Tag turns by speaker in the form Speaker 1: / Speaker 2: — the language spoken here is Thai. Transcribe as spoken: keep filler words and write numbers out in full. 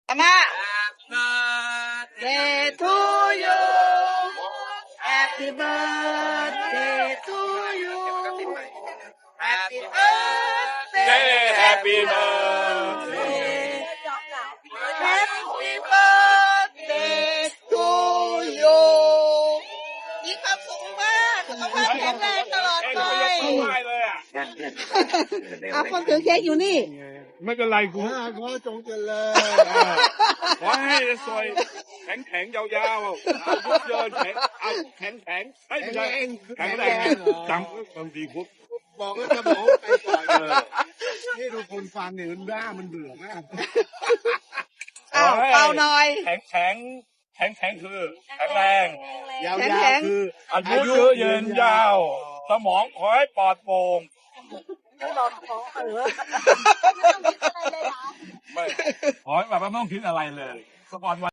Speaker 1: อาม่า Birthday to you Happy birthday to you Happy birthday
Speaker 2: Happy birthday
Speaker 1: Happy birthday to you มีความสุขมากสุขภาพแข็งแรงตลอดไป
Speaker 2: ไม่เลยอ่ะ
Speaker 1: อ่ะคนถือเค้กอยู่นี่
Speaker 2: ไม่เป็นไรกู
Speaker 3: ขอจงเจริญ
Speaker 2: ขอให้สวยแข็งแข็งยาวๆอายุเยินแข็งเอาแข็งแข็งไม่ใช่แข็งแรงจำบางทีพุทธ
Speaker 3: บอกว่าจะบอกไปก่อนนี่ดูคนฟังเนี่ยมันบ้ามันเบื่อมาก
Speaker 1: อ้าวเป่าหน่อย
Speaker 2: แข็งแข็งแข็งแข็งคือแข็งแรง
Speaker 3: ยาว
Speaker 1: แข็ง
Speaker 3: ๆคือ
Speaker 2: อายุเยอะเยินยาว สมองขอให้ปลอดโปร่งไม่ขอให้แบบไม่ต้องคิดอะไรเลยสปอนวัน